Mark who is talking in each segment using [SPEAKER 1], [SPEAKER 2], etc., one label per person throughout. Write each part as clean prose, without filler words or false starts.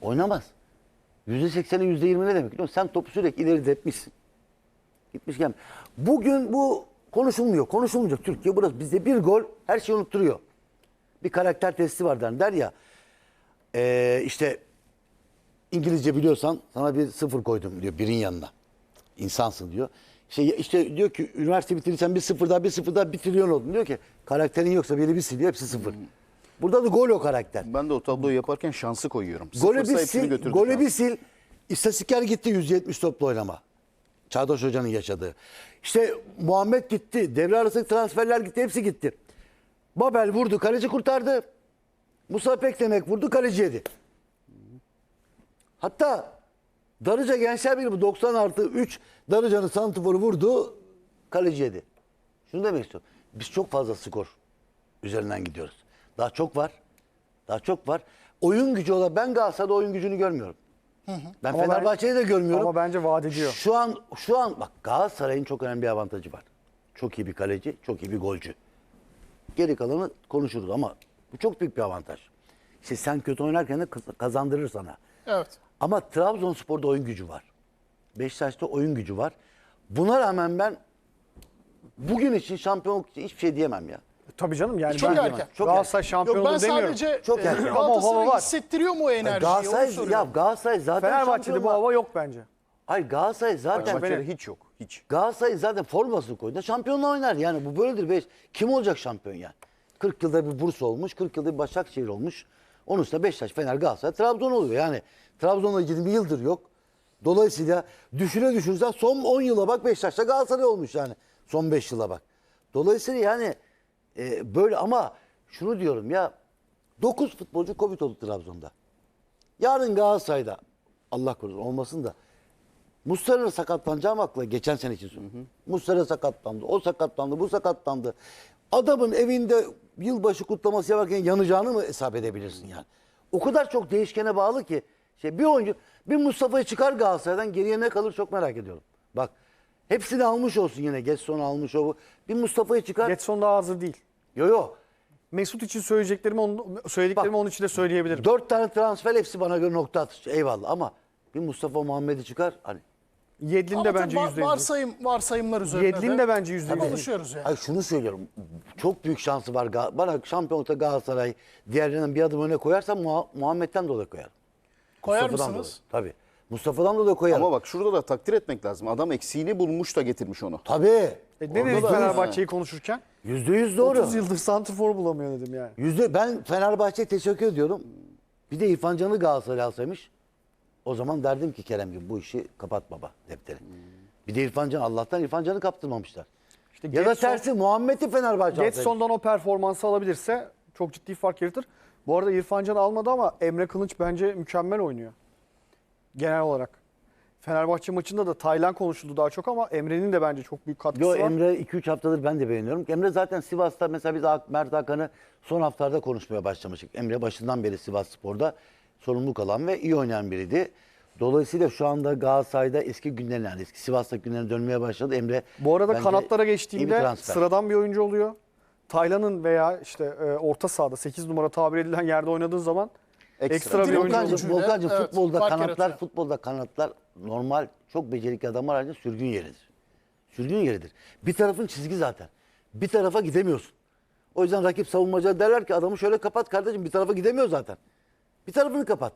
[SPEAKER 1] Oynamaz. %80'e %20 ne demek biliyor musun? Sen topu sürekli ileri tepmişsin. Gitmişken. Bugün bu konuşulmuyor. Konuşulmayacak. Türkiye burası. Bizde bir gol her şeyi unutturuyor. Bir karakter testi var der ya. İşte İngilizce biliyorsan sana bir sıfır koydum diyor birin yanına. İnsansın diyor. İşte diyor ki üniversite bitirirsen bir sıfır daha bir trilyon oldun. Diyor ki karakterin yoksa biri bir siliyor hepsi sıfır. Burada da gol o karakter.
[SPEAKER 2] Ben de o tabloyu yaparken şansı koyuyorum.
[SPEAKER 1] Golü
[SPEAKER 2] Sıfırsa
[SPEAKER 1] bir
[SPEAKER 2] hepsini
[SPEAKER 1] sil,
[SPEAKER 2] götürdü
[SPEAKER 1] golü
[SPEAKER 2] şans.
[SPEAKER 1] bir sil. İstatistikler gitti 170 toplu oynama. Çağdaş Hoca'nın yaşadığı. İşte Muhammed gitti. Devre arası transferler gitti. Hepsi gitti. Babel vurdu. Kaleci kurtardı. Musa Pekdemek vurdu. Kaleci yedi. Hatta Darıca Gençler Birliği 90+3 Darıca'nın santiforu vurdu. Kaleci yedi. Şunu demek istiyorum. Biz çok fazla skor üzerinden gidiyoruz. Daha çok var. Daha çok var. Oyun gücü olarak ben Galatasaray'da oyun gücünü görmüyorum. Ben
[SPEAKER 3] Ama
[SPEAKER 1] Fenerbahçe'yi de görmüyorum.
[SPEAKER 3] Ama bence vaat ediyor.
[SPEAKER 1] Şu an bak Galatasaray'ın çok önemli bir avantajı var. Çok iyi bir kaleci, çok iyi bir golcü. Geri kalanı konuşuruz ama bu çok büyük bir avantaj. İşte sen kötü oynarken de kazandırır sana.
[SPEAKER 4] Evet.
[SPEAKER 1] Ama Trabzonspor'da oyun gücü var. Beşiktaş'ta oyun gücü var. Buna rağmen ben bugün için şampiyonluk için hiçbir şey diyemem ya.
[SPEAKER 3] Tabii canım yani
[SPEAKER 4] Çok
[SPEAKER 3] ben
[SPEAKER 4] erken.
[SPEAKER 1] Çok
[SPEAKER 3] Galatasaray
[SPEAKER 1] erken.
[SPEAKER 4] Yok
[SPEAKER 3] şampiyonluğu
[SPEAKER 4] ben
[SPEAKER 3] demiyorum.
[SPEAKER 4] sadece
[SPEAKER 1] Çok erken.
[SPEAKER 3] Ama o hava
[SPEAKER 4] Galatasaray
[SPEAKER 3] var.
[SPEAKER 4] hissettiriyor mu o enerjiyi?
[SPEAKER 1] Galatasaray,
[SPEAKER 4] Onu soruyorum.
[SPEAKER 1] Galatasaray zaten
[SPEAKER 3] Fenerbahçe'de
[SPEAKER 1] şampiyon
[SPEAKER 3] bu
[SPEAKER 1] var.
[SPEAKER 3] hava yok bence.
[SPEAKER 1] Hayır Galatasaray zaten
[SPEAKER 2] Fenerbahçe'de hiç yok. Hiç.
[SPEAKER 1] Galatasaray zaten formasını koydu. Şampiyonla oynar. Yani bu böyledir. Kim olacak şampiyon yani? 40 yılda bir Bursa olmuş. 40 yılda bir Başakşehir olmuş. Onun üstüne Beşiktaş, Fener, Galatasaray, Trabzon oluyor. Yani Trabzon'da 20 yıldır yok. Dolayısıyla düşürsen son 10 yıla bak Beşiktaş'ta Galatasaray olmuş yani. Son 5 yıla bak. Dolayısıyla yani böyle ama şunu diyorum ya 9 futbolcu Covid oldu Trabzon'da. Yarın Galatasaray'da Allah korusun olmasın da Muslera sakatlanacağım akla geçen sene için söylüyorum. Muslera sakatlandı, o sakatlandı, bu sakatlandı. Adamın evinde yılbaşı kutlaması yaparken yanacağını mı hesap edebilirsin yani? O kadar çok değişkene bağlı ki bir oyuncu bir Mustafa'yı çıkar Galatasaray'dan geriye ne kalır çok merak ediyorum. Bak hepsini almış olsun yine Getson'u almış o bu. Bir Mustafa'yı çıkar.
[SPEAKER 3] Getson daha hazır değil.
[SPEAKER 1] Yo.
[SPEAKER 3] Mesut için söylediklerimi onun için de söyleyebilirim.
[SPEAKER 1] 4 tane transfer hepsi bana göre nokta atışı. Eyvallah ama bir Mustafa Muhammed'i çıkar hani.
[SPEAKER 3] Yedlin
[SPEAKER 4] Ama
[SPEAKER 3] de
[SPEAKER 4] tabii
[SPEAKER 3] bence %100.
[SPEAKER 4] varsayımlar üzerine
[SPEAKER 3] Yedlin de bence %100.
[SPEAKER 4] konuşuyoruz yani.
[SPEAKER 1] Ay şunu söylüyorum. Çok büyük şansı var. Bana şampiyonlukta Galatasaray diğerlerinden bir adım öne koyarsam Muhammed'den dolayı koyarım.
[SPEAKER 4] Koyar
[SPEAKER 1] Mustafa'dan
[SPEAKER 4] mısınız?
[SPEAKER 1] dolayı. Tabii. Mustafa'dan dolayı koyarım.
[SPEAKER 2] Ama bak şurada da takdir etmek lazım. Adam eksiğini bulmuş da getirmiş onu.
[SPEAKER 1] Tabii.
[SPEAKER 3] Ne dedik Fenerbahçe'yi konuşurken?
[SPEAKER 1] %100 doğru.
[SPEAKER 3] 30 yıldır santrfor bulamıyor dedim yani.
[SPEAKER 1] Ben Fenerbahçe'ye teşekkür ediyorum. Bir de İrfan Can'ı Galatasaray alsaymış. O zaman derdim ki Kerem gibi bu işi kapat baba defteri. Bir de İrfan Can Allah'tan İrfan Can'ı kaptırmamışlar.
[SPEAKER 3] İşte
[SPEAKER 1] Ya da tersi Muhammed'i Fenerbahçe alsaymış.
[SPEAKER 3] Getson'dan o performansı alabilirse çok ciddi fark yaratır. Bu arada İrfan Can almadı ama Emre Kılınç bence mükemmel oynuyor. Genel olarak. Fenerbahçe maçında da Taylan konuşuldu daha çok ama Emre'nin de bence çok büyük katkısı var.
[SPEAKER 1] Emre 2-3 haftadır ben de beğeniyorum. Emre zaten Sivas'ta mesela biz Mert Hakan'ı son haftalarda konuşmaya başlamıştık. Emre başından beri Sivasspor'da sorumluluk alan ve iyi oynayan biriydi. Dolayısıyla şu anda Galatasaray'da eski günlerine yani eski Sivas'taki günlerine dönmeye başladı. Emre
[SPEAKER 3] Bu arada
[SPEAKER 1] bence
[SPEAKER 3] kanatlara
[SPEAKER 1] iyi bir
[SPEAKER 3] geçtiğimde
[SPEAKER 1] transfer.
[SPEAKER 3] sıradan bir oyuncu oluyor. Taylan'ın veya işte orta sahada 8 numara tabir edilen yerde oynadığın zaman ekstra bir oyuncu oluyor.
[SPEAKER 1] Volkan'cığım
[SPEAKER 4] Evet,
[SPEAKER 1] futbolda
[SPEAKER 4] fark
[SPEAKER 1] kanatlar
[SPEAKER 4] yaratıyor.
[SPEAKER 1] normal çok becerikli adamlar haricinde sürgün yeridir. Sürgün yeridir. Bir tarafın çizgi zaten. Bir tarafa gidemiyorsun. O yüzden rakip savunmacılar derler ki adamı şöyle kapat kardeşim bir tarafa gidemiyor zaten. Bir tarafını kapat.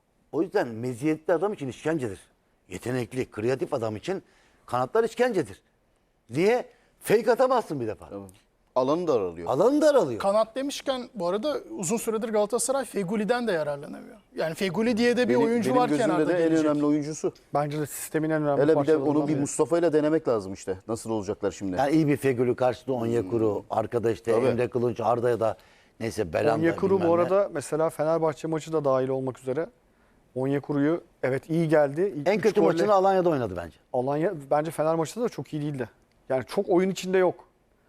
[SPEAKER 1] O yüzden meziyetli adam için işkencedir. Yetenekli, kreatif adam için kanatlar işkencedir. Niye? Fake atamazsın bir defa.
[SPEAKER 2] Alanı da aralıyor.
[SPEAKER 1] Alanı da aralıyor.
[SPEAKER 4] Kanat demişken bu arada uzun süredir Galatasaray Feguli'den de yararlanamıyor. Yani Feguli diye de bir oyuncu
[SPEAKER 2] benim
[SPEAKER 4] var
[SPEAKER 2] gözümde
[SPEAKER 4] kenarda
[SPEAKER 2] de en
[SPEAKER 4] gelecek.
[SPEAKER 2] önemli oyuncusu.
[SPEAKER 3] Bence de sistemin en önemli
[SPEAKER 2] Hele bir de
[SPEAKER 3] parçalarından
[SPEAKER 2] onu bir
[SPEAKER 3] biri.
[SPEAKER 2] Mustafa ile denemek lazım işte. Nasıl olacaklar şimdi?
[SPEAKER 1] Yani iyi bir Fegül'ü karşıda Onyekuru, arkada işte
[SPEAKER 2] Tabii.
[SPEAKER 1] Emre Kılınç, Arda'ya da neyse Belanda.
[SPEAKER 3] Onyekuru
[SPEAKER 1] bilmem
[SPEAKER 3] bu
[SPEAKER 1] ne.
[SPEAKER 3] arada mesela Fenerbahçe maçı da dahil olmak üzere Onyekuru'yu evet iyi geldi. İlk
[SPEAKER 1] En
[SPEAKER 3] üç
[SPEAKER 1] kötü
[SPEAKER 3] golle-
[SPEAKER 1] maçını Alanya'da oynadı bence.
[SPEAKER 3] Alanya bence Fener maçında da çok iyi değildi. Yani çok oyun içinde yok.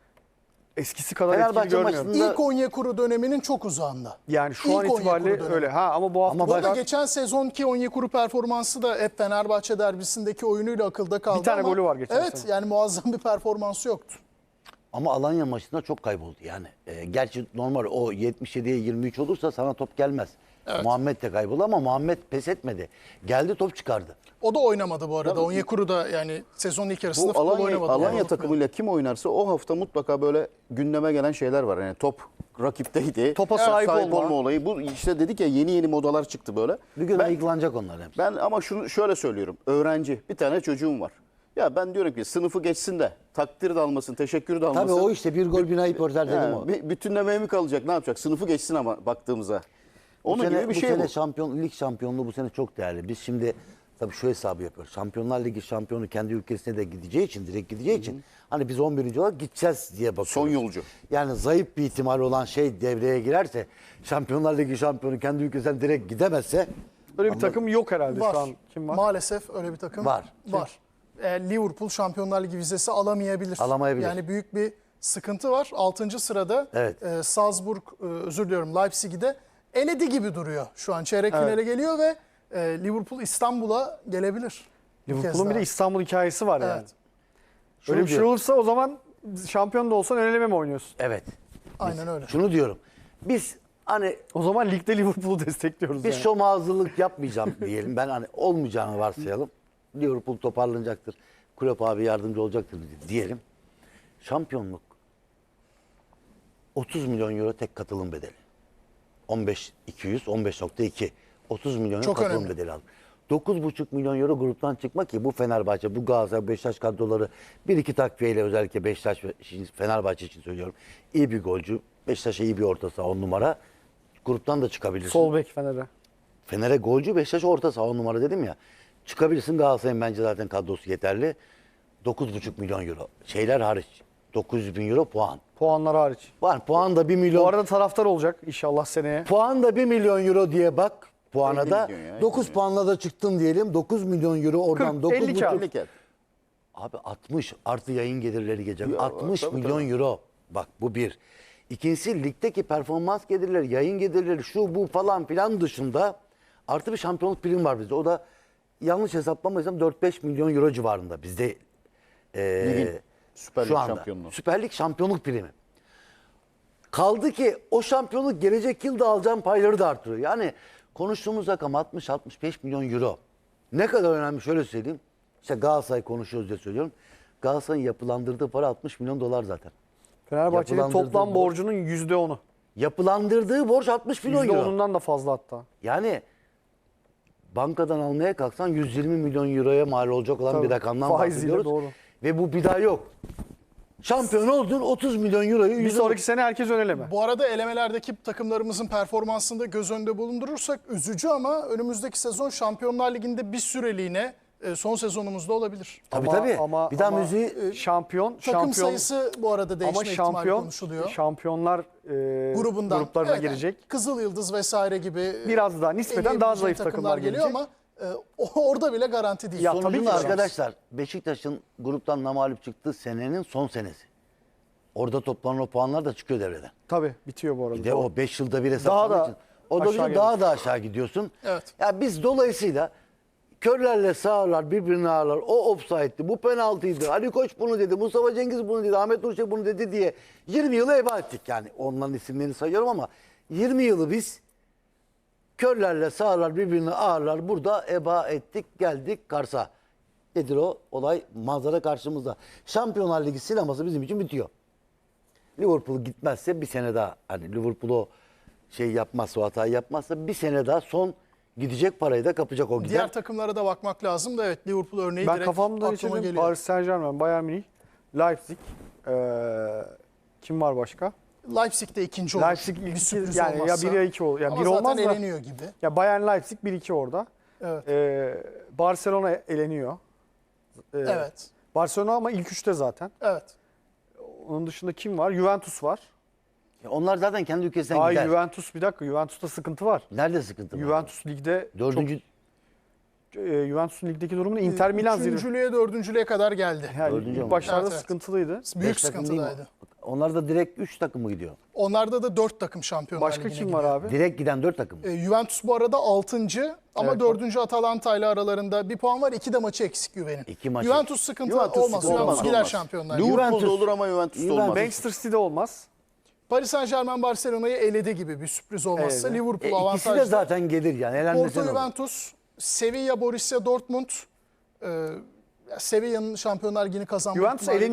[SPEAKER 3] Eskisi kadar
[SPEAKER 1] Fenerbahçe
[SPEAKER 3] etkili görmüyorum.
[SPEAKER 1] maçında-
[SPEAKER 4] İlk Onyekuru döneminin çok uzağında.
[SPEAKER 3] Yani şu an
[SPEAKER 4] İlk
[SPEAKER 3] itibariyle
[SPEAKER 4] Onyekuru dönemi.
[SPEAKER 3] öyle. Ama bu hafta
[SPEAKER 1] Ama
[SPEAKER 4] Bu arada
[SPEAKER 1] bak-
[SPEAKER 4] geçen sezonki Onyekuru performansı da hep Fenerbahçe derbisindeki oyunuyla akılda kaldı.
[SPEAKER 3] Bir tane
[SPEAKER 4] ama
[SPEAKER 3] golü var geçen
[SPEAKER 4] Evet
[SPEAKER 3] sene.
[SPEAKER 4] yani muazzam bir performansı yoktu.
[SPEAKER 1] Ama Alanya maçında çok kayboldu yani. Gerçi normal o 77'ye 23 olursa sana top gelmez.
[SPEAKER 4] Evet.
[SPEAKER 1] Muhammed de kayboldu ama Muhammed pes etmedi. Geldi top çıkardı.
[SPEAKER 4] O da oynamadı bu arada. Onyekuru da yani sezonun ilk yarısında
[SPEAKER 2] Bu
[SPEAKER 4] futbol
[SPEAKER 2] Alanya,
[SPEAKER 4] oynamadı.
[SPEAKER 2] Alanya
[SPEAKER 4] Yani
[SPEAKER 2] takımıyla kim oynarsa o hafta mutlaka böyle gündeme gelen şeyler var. Yani top rakipteydi.
[SPEAKER 3] Topa sahip olma.
[SPEAKER 2] olayı. Bu işte dedik ya yeni modalar çıktı böyle.
[SPEAKER 1] Bir gün
[SPEAKER 2] Ben-
[SPEAKER 1] ayıklanacak onlar hepsi.
[SPEAKER 2] Ben ama şunu şöyle söylüyorum. Öğrenci, bir tane çocuğum var. Ya ben diyorum ki sınıfı geçsin de takdir de almasın, teşekkür de almasın.
[SPEAKER 1] Tabii o işte bir gol bir ayıp örter dedim
[SPEAKER 2] Yani
[SPEAKER 1] o.
[SPEAKER 2] bütünlemeye mi kalacak, ne yapacak? Sınıfı geçsin ama baktığımızda. Onun
[SPEAKER 1] bu sene,
[SPEAKER 2] gibi bir
[SPEAKER 1] bu
[SPEAKER 2] şey
[SPEAKER 1] sene
[SPEAKER 2] bu.
[SPEAKER 1] lig şampiyonluğu bu sene çok değerli. Biz şimdi tabii şu hesabı yapıyoruz. Şampiyonlar Ligi şampiyonu kendi ülkesine de gideceği için, direkt gideceği için hani biz 11. olarak gideceğiz diye bakıyoruz.
[SPEAKER 2] Son yolcu.
[SPEAKER 1] Yani zayıf bir ihtimal olan şey devreye girerse, Şampiyonlar Ligi şampiyonu kendi ülkesinden direkt gidemezse
[SPEAKER 3] Böyle bir takım yok herhalde
[SPEAKER 4] var.
[SPEAKER 3] şu an. Kim var?
[SPEAKER 4] Maalesef öyle bir takım
[SPEAKER 1] Var.
[SPEAKER 4] var. Liverpool Şampiyonlar Ligi vizesi alamayabilir.
[SPEAKER 1] Alamayabilir.
[SPEAKER 4] Yani büyük bir sıkıntı var. 6. sırada
[SPEAKER 1] Evet.
[SPEAKER 4] Salzburg, özür diliyorum, Leipzig'i de eledi gibi duruyor. Şu an çeyrek finale geliyor ve Liverpool İstanbul'a gelebilir. Bir kez
[SPEAKER 3] Liverpool'un bir de
[SPEAKER 4] daha.
[SPEAKER 3] İstanbul hikayesi var yani.
[SPEAKER 4] Evet.
[SPEAKER 3] Öyle bir şey
[SPEAKER 1] diyorum.
[SPEAKER 3] olursa o zaman şampiyon da olsan ön eleme mi oynuyorsun?
[SPEAKER 1] evet.
[SPEAKER 4] Aynen öyle.
[SPEAKER 1] Şunu diyorum. Biz hani
[SPEAKER 3] O zaman ligde Liverpool'u destekliyoruz
[SPEAKER 1] biz
[SPEAKER 3] yani.
[SPEAKER 1] şom hazırlık yapmayacağım diyelim. Ben hani olmayacağını varsayalım. Liverpool toparlanacaktır. Klopp abi yardımcı olacaktır diyelim. Şampiyonluk 30 milyon euro tek katılım bedeli. 15.200, 30 milyon euro
[SPEAKER 4] Çok
[SPEAKER 1] katılım
[SPEAKER 4] önemli.
[SPEAKER 1] bedeli aldı. 9,5 milyon euro gruptan çıkma ki bu Fenerbahçe, bu Galatasaray, Beşiktaş kadroları bir iki takviyeyle özellikle Beşiktaş ve Fenerbahçe için söylüyorum. İyi bir golcü. Beşiktaş'a iyi bir orta saha 10 numara. Gruptan da çıkabilirsin.
[SPEAKER 3] Sol bek Fener'e.
[SPEAKER 1] Fener'e golcü, Beşiktaş orta saha 10 numara dedim ya. Çıkabilirsin, Galatasaray'ın bence zaten kadrosu yeterli. 9,5 milyon euro. Şeyler hariç. 900 bin euro puan.
[SPEAKER 3] Puanlar hariç.
[SPEAKER 1] Var puan da 1 milyon.
[SPEAKER 3] Bu arada taraftar olacak inşallah seneye.
[SPEAKER 1] Puan da 1 milyon euro diye bak puana
[SPEAKER 2] 50
[SPEAKER 1] da.
[SPEAKER 2] milyon ya,
[SPEAKER 1] 9 puanla da çıktın diyelim. 9 milyon euro oradan
[SPEAKER 3] 40,
[SPEAKER 1] 9
[SPEAKER 3] 50 kağıt.
[SPEAKER 2] Birlik et.
[SPEAKER 1] Abi 60 artı yayın gelirleri gelecek.
[SPEAKER 2] Ya,
[SPEAKER 1] 60
[SPEAKER 2] tabii,
[SPEAKER 1] milyon euro. Bak bu bir. İkincisi ligdeki performans gelirleri, yayın gelirleri şu bu falan filan dışında artı bir şampiyonluk primi var bizde. O da yanlış hesaplamaysam 4-5 milyon euro civarında bizde.
[SPEAKER 2] Ligin Süper Lig
[SPEAKER 1] Şu anda.
[SPEAKER 2] şampiyonluğu.
[SPEAKER 1] Süper Lig şampiyonluk primi. Kaldı ki o şampiyonluk gelecek yıl da alacağın payları da artırıyor. Yani konuştuğumuz rakam 60-65 milyon euro. Ne kadar önemli şöyle söyleyeyim. İşte Galatasaray konuşuyoruz diye söylüyorum. Galatasaray'ın yapılandırdığı para 60 milyon dolar zaten.
[SPEAKER 3] Fenerbahçe'nin
[SPEAKER 1] Yapılandırdığı
[SPEAKER 3] toplam
[SPEAKER 1] borç.
[SPEAKER 3] borcunun %10'u.
[SPEAKER 1] Yapılandırdığı borç 60 milyon euro.
[SPEAKER 3] %10'undan da fazla hatta.
[SPEAKER 1] Yani bankadan almaya kalksan 120 milyon euroya mal olacak olan
[SPEAKER 3] Tabii,
[SPEAKER 1] bir rakamdan
[SPEAKER 3] faiziyle
[SPEAKER 1] bahsediyoruz.
[SPEAKER 3] doğru.
[SPEAKER 1] Ve bu bir daha yok. Şampiyon oldun 30 milyon euroyu
[SPEAKER 3] Bir
[SPEAKER 1] 100
[SPEAKER 3] sonraki sene herkes ön eleme.
[SPEAKER 4] Bu arada elemelerdeki takımlarımızın performansını da göz önünde bulundurursak üzücü ama önümüzdeki sezon Şampiyonlar Ligi'nde bir süreliğine son sezonumuzda olabilir.
[SPEAKER 1] Tabii tabii. Bir daha müziği
[SPEAKER 4] Takım sayısı bu arada
[SPEAKER 3] ama
[SPEAKER 4] değişme ihtimali konuşuluyor.
[SPEAKER 3] şampiyonlar gruplarına
[SPEAKER 4] Evet,
[SPEAKER 3] girecek.
[SPEAKER 4] yani Kızıl Yıldız vesaire gibi
[SPEAKER 3] Biraz daha nispeten daha
[SPEAKER 4] eleyebileceği
[SPEAKER 3] zayıf takımlar
[SPEAKER 4] geliyor
[SPEAKER 3] gelecek.
[SPEAKER 4] ama orada bile garanti değil.
[SPEAKER 3] Ya, tabii
[SPEAKER 1] Sonucunda
[SPEAKER 3] ki de.
[SPEAKER 1] arkadaşlar Beşiktaş'ın gruptan namağlup çıktığı senenin son senesi. Orada toplanan o puanlar da çıkıyor devreden.
[SPEAKER 3] Tabii bitiyor bu arada.
[SPEAKER 1] Bir de o 5 yılda bir
[SPEAKER 3] Daha
[SPEAKER 1] hesaplamak
[SPEAKER 3] da
[SPEAKER 1] için. O da
[SPEAKER 3] aşağı
[SPEAKER 1] daha da aşağı gidiyorsun.
[SPEAKER 4] Evet.
[SPEAKER 1] Ya biz dolayısıyla körlerle sağırlar birbirini ağırlar. O offside'di, bu penaltıydı. Ali Koç bunu dedi, Mustafa Cengiz bunu dedi, Ahmet Nurçelik bunu dedi diye 20 yılı heba ettik yani. Onların isimlerini sayıyorum ama 20 yılı biz körlerle sağırlar birbirini ağırlar. Burada eba ettik, geldik Kars'a. Nedir o? Olay manzara karşımızda. Şampiyonlar Ligi sineması bizim için bitiyor. Liverpool gitmezse bir sene daha, hani Liverpool o şey yapmazsa, o hatayı yapmazsa bir sene daha son gidecek parayı da kapacak o gider.
[SPEAKER 4] Diğer takımlara da bakmak lazım da evet Liverpool örneği
[SPEAKER 3] Ben
[SPEAKER 4] direkt
[SPEAKER 3] kafamda
[SPEAKER 4] aklıma
[SPEAKER 3] geçirdim.
[SPEAKER 4] geliyor.
[SPEAKER 3] Paris Saint-Germain, Bayern Münih, Leipzig. Kim var başka?
[SPEAKER 4] Leipzig de ikinci olur.
[SPEAKER 3] Leipzig
[SPEAKER 4] bir
[SPEAKER 3] iki,
[SPEAKER 4] sürpriz
[SPEAKER 3] yani
[SPEAKER 4] olmazsa.
[SPEAKER 3] ya 1 ya 2 olur. Ya
[SPEAKER 4] Ama
[SPEAKER 3] 1
[SPEAKER 4] zaten
[SPEAKER 3] olmaz da.
[SPEAKER 4] eleniyor gibi.
[SPEAKER 3] Ya Bayern Leipzig 1-2 orada.
[SPEAKER 4] Evet.
[SPEAKER 3] Barcelona eleniyor.
[SPEAKER 4] Evet.
[SPEAKER 3] Barcelona ama ilk 3'te zaten.
[SPEAKER 4] Evet.
[SPEAKER 3] Onun dışında kim var? Juventus var.
[SPEAKER 1] Onlar zaten kendi ülkesinden
[SPEAKER 3] Ay
[SPEAKER 1] gider.
[SPEAKER 3] Juventus bir dakika. Juventus'ta sıkıntı var.
[SPEAKER 1] Nerede sıkıntı var?
[SPEAKER 3] Juventus ligde
[SPEAKER 1] Dördüncü,
[SPEAKER 3] Juventus'un ligdeki durumunu Inter Milan zirve.
[SPEAKER 4] Üçüncülüğe, dördüncülüğe kadar geldi.
[SPEAKER 3] Yani
[SPEAKER 1] Dördüncü
[SPEAKER 3] ilk
[SPEAKER 1] olmuş.
[SPEAKER 3] başlarda
[SPEAKER 4] Evet, evet.
[SPEAKER 3] sıkıntılıydı.
[SPEAKER 4] Büyük
[SPEAKER 1] beş takım değil mi?
[SPEAKER 4] sıkıntıdaydı.
[SPEAKER 1] onlar da direkt 3 takım mı gidiyor?
[SPEAKER 4] Onlarda da 4 takım Şampiyonlar
[SPEAKER 3] Başka
[SPEAKER 4] Ligi'ne
[SPEAKER 3] kim
[SPEAKER 4] gidiyor.
[SPEAKER 3] var abi?
[SPEAKER 1] Direkt giden 4 takım.
[SPEAKER 4] Juventus bu arada 6. ama
[SPEAKER 3] Evet,
[SPEAKER 4] 4. Atalanta ile aralarında bir puan var. 2 de maçı eksik Juven'in.
[SPEAKER 1] 2 maçı.
[SPEAKER 4] Juventus sıkıntı
[SPEAKER 2] Juventus
[SPEAKER 4] olmaz.
[SPEAKER 2] sıkıntı
[SPEAKER 4] Juventus
[SPEAKER 2] olmaz.
[SPEAKER 4] gider
[SPEAKER 2] Olmaz.
[SPEAKER 4] Şampiyonlar Ligi'ne.
[SPEAKER 2] Liverpool'da
[SPEAKER 1] Juventus-
[SPEAKER 2] olur ama Juventus'ta olmaz.
[SPEAKER 3] Manchester City'de olmaz.
[SPEAKER 4] Paris Saint-Germain Barcelona'yı eledi gibi bir sürpriz olmazsa.
[SPEAKER 3] Evet.
[SPEAKER 4] Liverpool
[SPEAKER 1] İkisi
[SPEAKER 4] avantajlı.
[SPEAKER 1] de zaten gelir yani. Elenmesen
[SPEAKER 4] Porto
[SPEAKER 1] olur.
[SPEAKER 4] Juventus, Sevilla Borussia Dortmund. Sevilla'nın Şampiyonlar Ligi'ni kazanma
[SPEAKER 3] Juventus
[SPEAKER 4] ihtimali